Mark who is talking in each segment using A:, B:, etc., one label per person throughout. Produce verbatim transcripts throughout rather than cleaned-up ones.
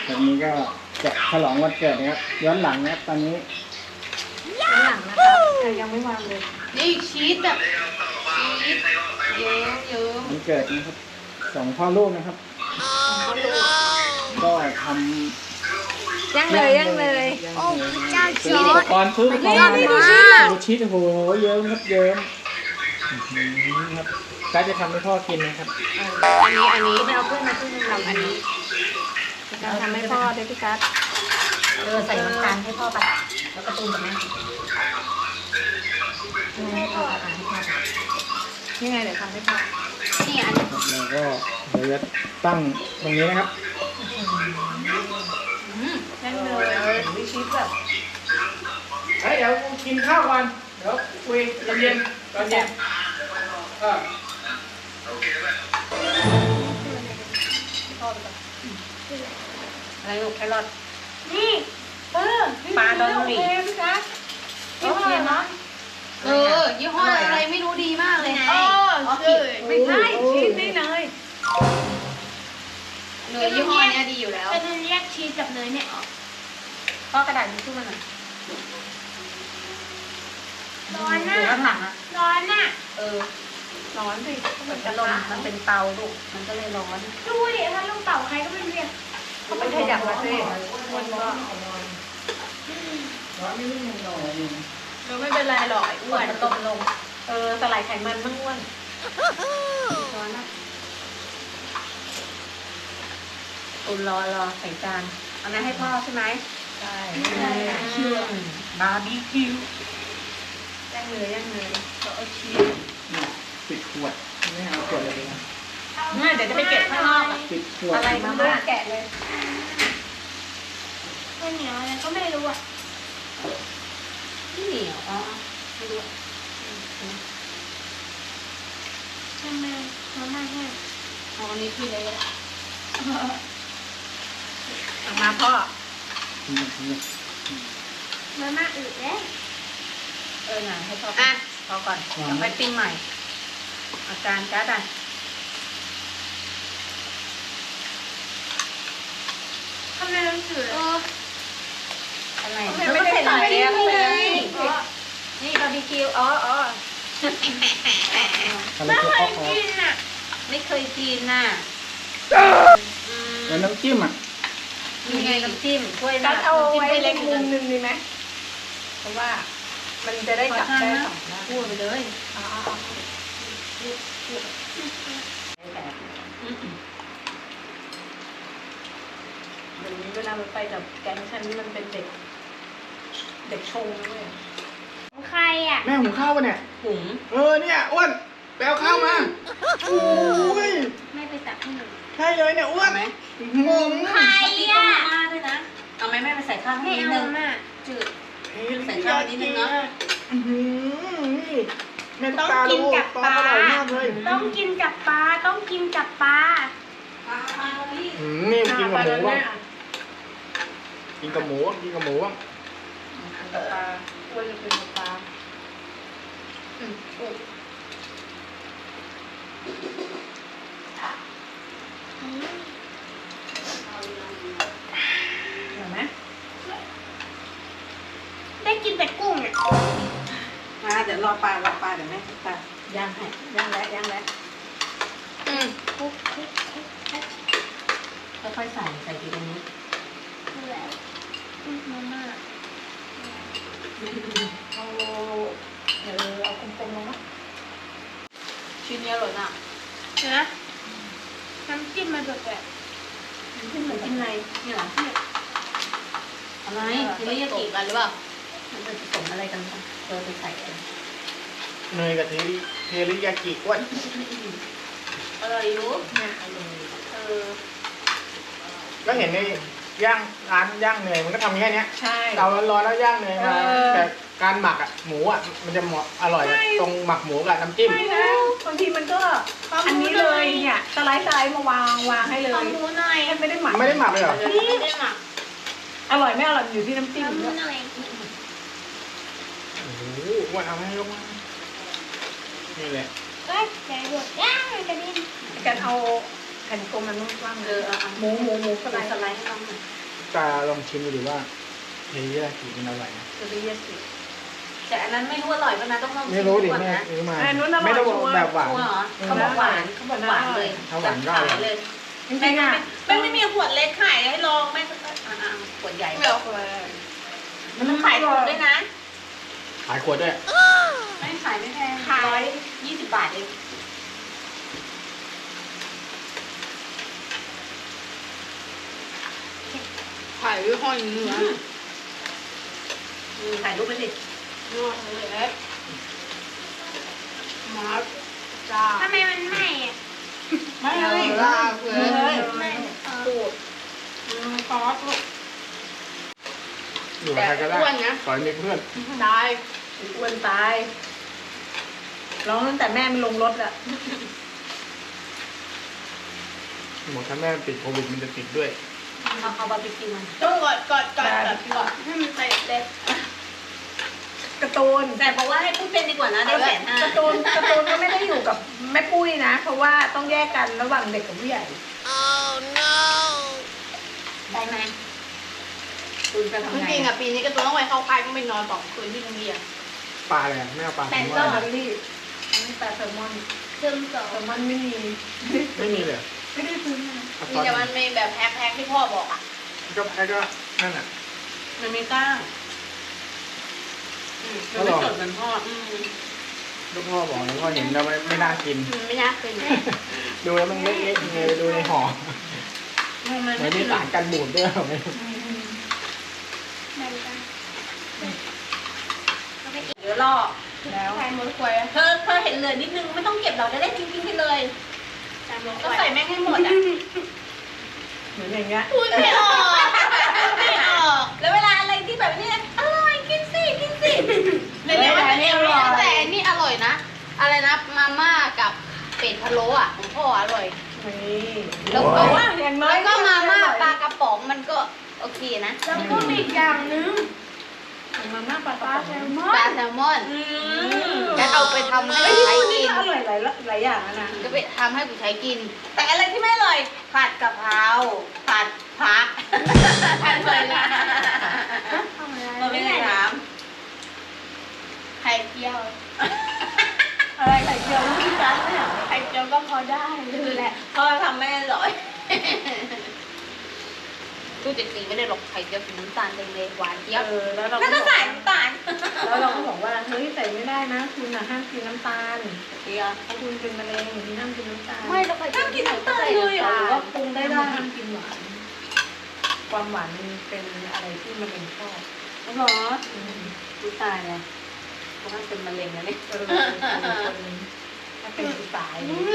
A: วันนี้ก็จะฉลองวันเกิดนะครับย้อนหลังนะครับตอนนี้
B: ย้อนหลังนะครับแต่ยังไม่วางเลย
C: นี่ชีสแบบชีสเยิ้มเยิ้ม
A: วันเกิดนะครับสองพ่อลูกนะครับก็ทำ
B: ย่างเลยย่างเลย
A: ย่าง
D: โอ้
A: เลย
D: เจ้า
A: ซื้
D: จ
A: อ
D: อ
A: อุป
D: ร์ด
A: กรณ์ซื้ออุปกรณ์
D: ไม่
A: ดู
D: ได้
A: ชีสโอ้โหเยิ้มครับเยิ้มอื้อหือครับก็จะทำให้พ่อกินนะครับ
C: อันนี้อันนี้
B: ไม่เอาเพื่อนมาเพื่อน
C: ทำอันนี้
B: การทำให้พ่อด้วยพี่กัส
D: เออใส่น้ำตาลให้พ่อไปแล้วก็ตูนกับแม่ให้พ่ออาหารให้พ่อ
B: นี่ไงเดี๋ยวทำให้พ่อ
C: นี่อันนี้
A: แล้วก็เดี๋ยวจะตั้งตรงนี้นะครับ
B: ย่างเลยมีชีสแบบ
A: เฮ้ยเดี๋ยวกูกินข้าวก่อนเดี๋ยวคุยตอนเย็นตอนเย็นเออ
B: อะไรลูกแครอท
D: นี่เออ
B: ปลาดองหมี่
D: พี่กัส
B: โอเคเนาะ
C: เออยี่ห้ออะไรไม่รู้ดีมากเลย
D: เออ
C: อ๋อ
D: ใช่
B: ไม่ใช่ชีสนี่เลย
C: เนยยี่ห้อเนี้ยดีอยู่แล้ว
D: เป็นเรียกชีสกับเนยเนี่ยออก
B: พ่อกระดาษทิชชู่มาหน่อย
D: ร้อน
B: ห
D: น่ะ
B: รือข้างหลังอ่ะ
D: ร้อนน่ะ
B: เออร้อนสิเหมือนพัดลมมันเป็นเตาลูกมันก็เลยร้อน
D: ดูดิถ้าลูกเต่าใครก็ไม่เรียก
B: เขาไปขยับมาสิมันก็
A: ร้อนไม่รู้มันหน่อย
C: เออไม่เป็นไรหรอกไอ้อ้
B: อ้ว
C: วน น
B: มันตกลงเออสลายไขมันมั่งอ้วนร้อนนะตุนรอรอใส่จานเอานั้นให้พ่อใช่ไหมใช่บาร์บีคิวย่างเลยย่างเลยก็เอาชีส
A: เนี่ยปิดขวดไม่เอาขวดเลยดีนะ
B: เนี่ยเดี๋ยวจะไปเก็บข้างนอกอะ
A: ปิดขวด
B: อะไรมาม่าแกะเลย
D: ข้าวเหนียวอะไรก็ไม่รู้อ่ะ
B: ไม่เหนียวอ๋อไม่รู้
D: ทำไมมาม่าแห้ง
C: เอาอันนี้พี่เลย
B: เอามาพ่อ
D: มาม่าอืดแล้ว
B: เออหน่ะให้พ่ออ่ะพอก่อนเดี๋ยวไปปิ้งใหม่อาการจ้าดัน
D: ทำไมมันอืด
C: เอ
D: อ่ะ
C: อ
B: อะไรไม่ได้ใส่เยอะเลยนี่บาร์บีคิวอ๋ออ๋อ
A: อะไร
D: ไม่
A: ตัว
D: เค
A: อย อก
D: กินอ่ะ
B: ไม่เคยกินน่ะ
A: แล้วน้ำจิ้มอ่ะ
B: มีไงน้ำจิ้มถ้วย
E: กั
B: น่ะ
E: ดเอาไว้
B: จิ้ม
E: เล็
B: เล็
E: ก
B: ก
E: มุ
B: มุ
E: ม
B: ม
E: หนึ่งดีไหมเพราะว่ามันจะได้จับได้สองด้าน
C: พูดไปเลย
E: อ๋อ
B: เดี๋ยวนี้เวลามันไปกับแก๊งฉันมันเป็นเด็ก เด็กชงนะเว้ย
D: ของใครอ่ะ
A: แม่หุงข้าวปะเนี่ย
B: หุง
A: เออเนี่ยอ้วนไปเอาข้าวมาโอ้ย
D: ไม่ไปตักให้หนู
A: ใช่เลยเนี่ยอ้วน
B: ไหม
A: งง
D: ใคร
B: มีต้
D: อ่ะ
B: มมาม่าด้วยนะเอาไหมแม่ไปใส่ข้าวให้
D: ไม่
B: นิด
D: เอา
B: นึง
D: มาม่า
B: จืด
A: เฮ้ย
B: ใส่ข้าวนิดนึงเนอะ
A: อื้อหือนี่แม่ตาลูกปลาอร่อยมากเลย
D: ต้องกินกับปลาต้องกินกับปลา
A: อืมนี่กินกับหมูบ้างกินกับหมูกินกับหมูบ้าง
B: ปลาอ้วนจะเป็นปลาอืมอุ๊ยเห็นไหม
D: ได้กินแต่กุ้งอ่ะ
B: มาเดี๋ยวรอปลารอปลาเดี๋ยวแม่ปลาย่างให้ย่างแล้วย่างแล้ว
C: อืม
D: คุกคุกคุกคุก
B: ค่อยๆใส่ใส่ทีตรงนี้
D: แล้วอืมมาม่า
B: เอาเดี๋ยวเอากลมๆลงนะ
C: ชิ้นนี้อร่อยมาก
D: เห็นไหมน้ำจิ้มมันแบบแบบ
B: ขึ้นเหมือนกินในนี่เหรออะไร
C: ทีนี้จะติดกันหรือเปล่า
B: มันจะผสมอะไรกันบ้างเจอไปใส่กัน
A: เนยกับเทริเทริยากิอ้วน
C: อร่อยอยู่
B: เนี่ยเอาเลยเออ
A: ก็เห็นในย่างร้านย่างเนยมันก็ทำแค่เนี้ย
B: ใช่
A: เตาร้อนๆแล้วย่างเนยมา
B: เออ
A: แต่การหมักอ่ะหมูอ่ะมันจะเหมาะอร่อยตรงหมักหมูกับน้ำจิ้ม
E: ไม่นะบางทีมันก็อันนี้เลยเนี่ยสไลด์สไลด์มาวางวางให้เล
D: ขอย หมูหน่อย
E: แค่ไม่ได้หมัก
A: ไม่ได้หมักเลยเหรอ
C: ไม่ได้หมัก
E: อร่อยไม่อร่อยอยู่ที่น้ำ
D: ข
E: จิ้ม
D: อหมู
E: ด้วย
D: หน่อย
A: โอ้โหอ้วนเอาให้ลงมานี่แหละ
D: เอ้ยใจหมดย่างกระดิ่ง
E: กันเอาแผ่นกลมมันนุ่มกว้าง
B: เออเอา
E: หมูหมูหมูส
B: ส
E: ไล
B: ไล
E: ด์
B: ด์สไลด์ให้น้องหน่อย
A: ตาลองชิมดูดิว่าเฮยากิมันอร่อยนะ
B: จะได้เยอะสิแต่อันนั้นไม่รู้อร่อยป่ะนะต้องลองชิ
A: ไม่
B: ม
A: รู้ดิ
B: ก่อน
A: แม่
B: นะ
A: ซื้อมา
E: ไอ้นู้นอร่อย
A: ไม่ต้องบอก
E: ชัวร์
A: แบบหวาน
B: ชัวร์เหรอเขาบอกหวานเขาบอกหวานเลย
A: ถ้าหวานก็อร่อย
B: เลย
E: จริงๆอ่ะ
B: แม่ไม่มีขวดเล็กขายให้ลองแม่ก็อ่าขวดใหญ่
E: ไม่เอาเลย
B: มันขายถูกด้วยนะ
A: ขายขวดด้วย
B: ไม่ขายไม่แพงร้อยยี่สิบบาทเอง
E: ถ่ายด้วยห้อยเนื้อ
B: อืมถ่ายรูปไปสิ
E: เนื้อเล็กมาจ้า
F: ทำไมมันไหม้อะ
E: ไม่เลยลาเลยไม่ปูดซอส
A: อยู่กับใครก็ได้ขอให้มีเพื่อน
E: ตายอ้วนตายร้องตั้งแต่แม่ไม่ลงรถอะ
A: หมดถ้าแม่ติดโควิดมันจะติดด้วย
B: เอาเอาบาร์บีคิวมัน
F: ต้องกดกดกดกดกดให้มันไปเลย
E: การ์ตูน
B: แต่บอกว่าให้พูดเป็นดีกว่านะได้แสนห้า
E: การ์ตูนการ์ตูนก็ไม่ได้อยู่กับแม่ปุ้ยนะ เพราะว่าต้องแยกกันระหว่างเด็กกับผู้ใหญ่
B: ได้ไหมคุณจะทำ
F: จ
B: ไง
F: ริงๆอ่ะปีนี้ก็ต้องไปเข้าค่ายก็ไปนอนสองคืนที่โรงเรียน
A: ปลาอะไรอะไม่เอาปลา
F: แซ
A: แซล
F: น
A: ม
F: เต
A: อ
F: อร์
A: น
E: แซลลี่อันนี้ปลาแซลมอน
F: ซึ่งสอง
E: แซลมอนไม่มี
A: ไม่มีเลย
E: ไม่ได้ซื้อมา
A: เอา
F: มี
A: ตอน
F: แต่มันมีแบบแพ็คๆที่พ่อบอกอ่ะ
A: ก็แพ้ก็นั่นแหละ
B: มันมีก้างอืมมันไม่สดเหมือนพ่ออืม
A: ลูกพ่อบอกแล้วพ่อเห็นแล้วไม่ไม่น่ากิน
F: อืมไม่น่าเป็น
A: ดูแล้วมันเล็กๆยังไงดูในห่อ
B: มันมัน
A: เหมื
B: ไม่
A: อนมี
B: ถึง
A: สารกันบูดด้วยเหรอไม่รู้
B: เดี๋ยวรอ
E: แล้ว
F: ใส่หมดควย
B: เธอเธอเห็นเหลือนิดนึงไม่ต้องเก็บเราจะได้ทิ้งๆไปเลย
F: ใส่หมดค
B: ก็
F: วย
B: ใส่แม่งให้หมดอ่ะ
E: เหมือนอย่างเงี้ย
F: พูดไม่ออกไม่ออก
B: แล้วเวลาอะไรที่แบบนี้อร่อยกินสิกินสิ
F: แต่เนี่ยมันเป็นอย่างนี้แต่อันนี่อร่อยนะ อะไรนะมาม่ากับเป็ดพะโล้อ่ะของพ่ออร่อย
E: นี่
F: แล้วก็
E: ว่าอย่างน้อย
F: แล้วก็มาม่าปลากระป๋องมันก็โอเคนะ
E: แล้วก็มีอีกอย่างนึงมาม่าปลาปลาแซลมอ
F: ปลาน แซลมอน
B: อืม
F: จะเอาไปทำให้
E: ไอ้
F: ผู้
E: ที่
F: ใช้
E: พูดนี่
F: กิน
E: ก็อร่อยหลายหลายอย่างแล้วนะ
F: ก็ไปทำให้ผู้ใช้กิน
B: แต่อะไรที่ไม่อร่อยผัดกะเพราผัดผัก
F: ผัดเลยนะ
B: เราไม่ได้ถาม
F: ไข่เจียว
E: อะไรไข่เจียวน้ำพริกจานเนี่ย
F: ไข่เจียวก็พอได้เลยแหละ
B: พ่อทำไม่อร่อย
F: ตู้เจ็ดสีไม่ได้หรอกไข่เจียวสีน้ำตาลแดงๆหวานเจี๊ยบ
E: เออแล้วเรา
B: แล้วก็ใส่น้ำตาล
E: แล้วเราก็บอกว่าเฮ้ยใส่ไม่ได้นะคุณน่ะห้ามกินน้ำตาล
B: เดียว
E: ถ้าคุณเป็นมะเร็งคุณห้ามกินน้ำตาล
F: ไม่แล้วไข่เจียว
B: ห้ามกินน้ำตาลเลยเหร
E: ห
B: อ
E: รือว่าปรุงได้ได้ห้ามกินหวาน ความหวานมันเป็นอะไรที่มันเป็นชอบ
B: เหรอ
E: อืม
B: กูตายเลยเพราะมันเป็นมะเร็งแล้วนี่
E: เออเป็นคนถ้าเป็นผู้ตาย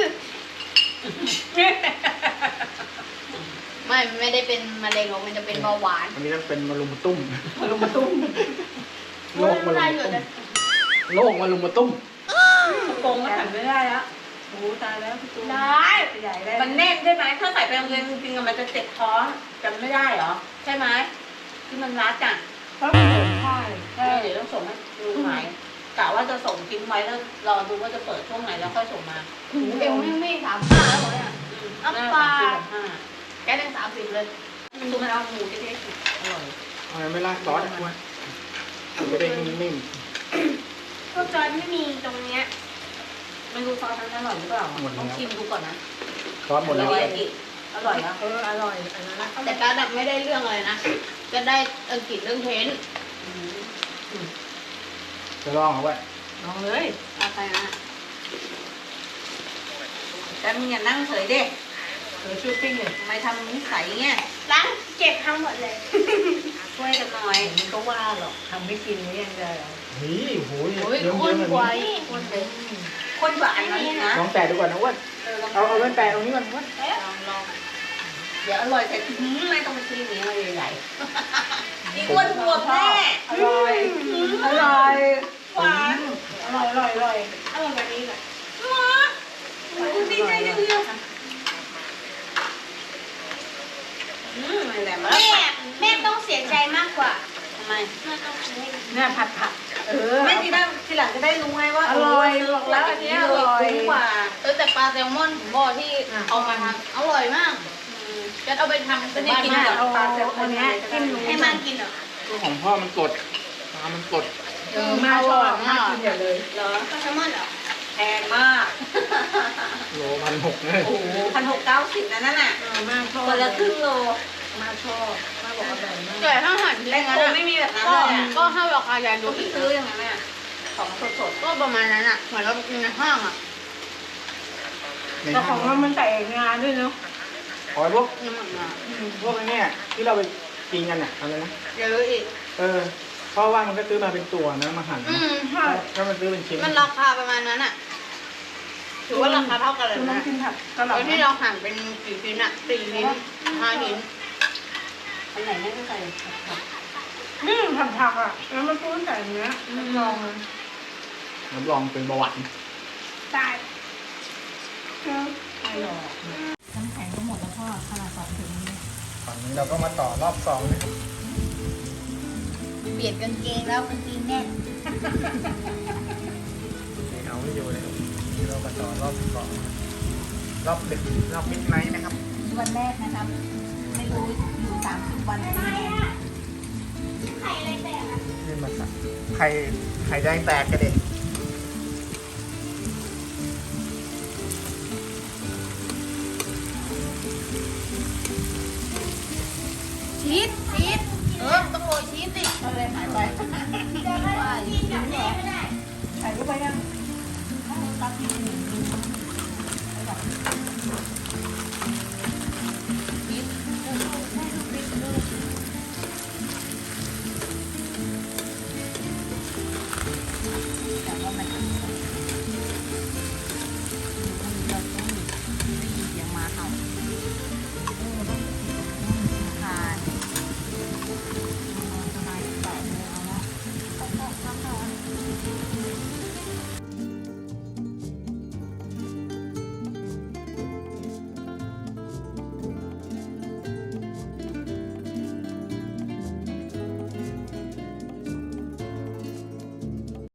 F: ไม่ไม่ได้เป็นมะเร็งหรอกมันจะเป็นเบาหวาน
A: อันนี้ต้องเป็นมะลุมมาตุ้ม
E: มาลงมาตุ้ม
A: โรคมะลุมมาตุ้มโรคมะลุมมาตุ้ม
E: โกงก็ทำไม่ได้แล้วโอ้ตายแล้วพี่ตูน
F: ได้
E: ใหญ่ได้
B: มันแน่นใช่ไหมถ้าใส่ไปโรงเรียนจริงๆอะมันจะเจ็บท้องจำไม่ได้เหรอ ใช่ไหมที่มันรัดอ่ะ
E: เพราะมันเหมือนผ้าเลย
B: ใช่เดี๋ยวต้องส่งให้ดูใหม่กะว่าจะส่งทิ้งไว้แล้วรอดูว่าจะเปิดช่วงไหนแล้วค่อยส่งมา
F: หูเอวไม่ไม่สามห้าแล้วเหรอเนี่ย
B: อืม
F: อัปปา
B: ห้า
F: แกได้สามสิบเลย
B: ดูมันเอาหมูเล็กๆอร่อย
A: เอาไม่ราดซอสอ่ะว่าจะได้นิ่ม
F: พวกจอยไม่มีตรงเนี้ย
B: ไม่รู้ซอสนั้นอร่อยหรือเปล่าต้องชิมดูก่อนนะ
A: ๆซอสหมดแล้ว
B: อร่อยอีกอร่อยอ่ะ
E: เอออร่อยอันนั้นนะ
F: แต่การดับไม่ได้เรื่องอะไรนะจะได้อังกฤษเรื่องเทน
A: จะลองเอาไว้
B: ลองเลย
F: เอาไปนะ
B: แต่มึงอย่านั่งเฉยเด็ก
E: เออชูปิ้งเลย
B: ทำไมทำนิสัยเงี้ย
F: ล้างเก็บทั้งหมดเลย
B: ช่วยกันหน่อย
E: มันก็ว่าหรอกทำไม่กินนี่ยังจะ
A: นี่โอ้โห
F: โอ้ย
A: เยิ้ม
F: ข้
A: ๆ
F: น
A: แบบ
F: กว่า
A: นี้
F: คนเลย
B: คนกว่าอันนั้นนะ
A: ลองแตะดูก่อนนะอ้วน
B: เออลอง
A: เอาเอาแว่นแตะตรงนี้ก่อนอ้วน
B: ลองลองเดี๋ยวอร่อยแต่หืมไม่ต้องไปซื้อเนี้ยมาใหญ่ๆอีกอ้วนบวมแน่
E: อร่อยอร่อย
B: หวาน
E: อร่อยอร่อยอร่อย
F: อร่อยแบบนี้เลย
B: หวานดูดีใจจังเลยอืมอะไรแบบ
F: แม่แม่ต้องเสียใจมากกว่า
B: ทำไม
F: แม่ต้องซื้อให้
E: เนี่ยผัดผักเออ
B: ไม่ทีหน้าทีหลังจะได้รู้ไงว่า
E: อร่อย
B: เ
E: บอกแล้วอันนี้อร่อย
B: คุ้มกว่า
F: เออแต่ปลาแซลมอนผมบอกที่เอามาทำอร่อยมากจะเอาไปทำเป็น
B: นี่
F: บ้าน
B: กิน
F: มาก
B: กับปลาแซลมอนเนี้ยจิ้ม
F: ให้มันกินเหรอ
A: ตัวของพ่อมันกดปลามันกด
E: เออมาชอบมากินอย่าเลย
B: เหรอ
F: ปลาแซลมอนเหรอ
B: แพงมาก
A: โลพันหกเลย
B: โอ้โหพันหกเก้าสิบนะนั่นน่ะ
E: เออมาชอบ
B: คนละครึ่งโล
E: มาชอบมาบอกอร่อยมาก
F: แต่ถ้าหั่นทิ้ง
B: แตง
F: งั้น
B: โม
F: อะ
B: ไม่มีแบบนั้น
F: ก็
B: เลยอ่ะ
F: ก็ให้ราคายายดู
B: ดู
F: อีก
B: ซื้ออย่างนั้นน่ะของสด
F: ก็ประมาณนั้นอ่ะเหมือนเราไปกินในห้างอ่ะ
E: แต่ของเรามันใส่งาด้วยเนาะ
A: ขอพวก
F: น้ำมันมา
A: พวกไอ้เนี่ยที่เราไปกินกันเนี่ยอะไรนะ
F: เยอะอีก
A: เออเพราะว่ามันก็ซื้อมาเป็นตัวนะมาหั่น
F: อื
A: นะ
F: มใช่
A: ถ้ามันซื้อเป็นชิ้น
F: มันราคาประมาณนั้นอ่ะถือว่าราคาเท่ากันเลย
E: คุณต้อ
F: นะ
E: งกินผักกะห
F: แล้วที่
E: ล่ำ
F: เราหั่นเป็นกี่ชิ้นอ่ะสี่ชิ้นห้าชิ้น
B: ๆอันไหนไม่ได้ใส่ผัก
E: นี่ผักผักอ่ะแล้วมันต้นใส่เนื้อมันลองเลย
A: รับรองเป็นเบาหวาน
E: ตายเออ
B: ไม่หรอก
D: น้ำแข็งก็หมดแล้วพ่อขนาดสองถุงนี้
A: ฝั่งนี้เราก็มาต่อรอบสองนะครับ
F: เปลี่ยนกางเกงแล้วกางเกงแน่น
A: นี่เอาไม่อยู่เลยครับนี่เรามาต่อรอบสองรอบดึกรอบมิดไนท์นะครับ
D: วันแรกนะครับ ไม่รู้อยู่สามสิบวันเป็นยังไง
A: นี่มาสักไข่ไข่แดงแตกกันเด็ก
F: ชีสชีสเออต้องโรยชีสสิเอาเลยหายไปว่าชีสเหรอ
E: ถ่ายรูปไปยัง
D: ตักที่หนึ่ง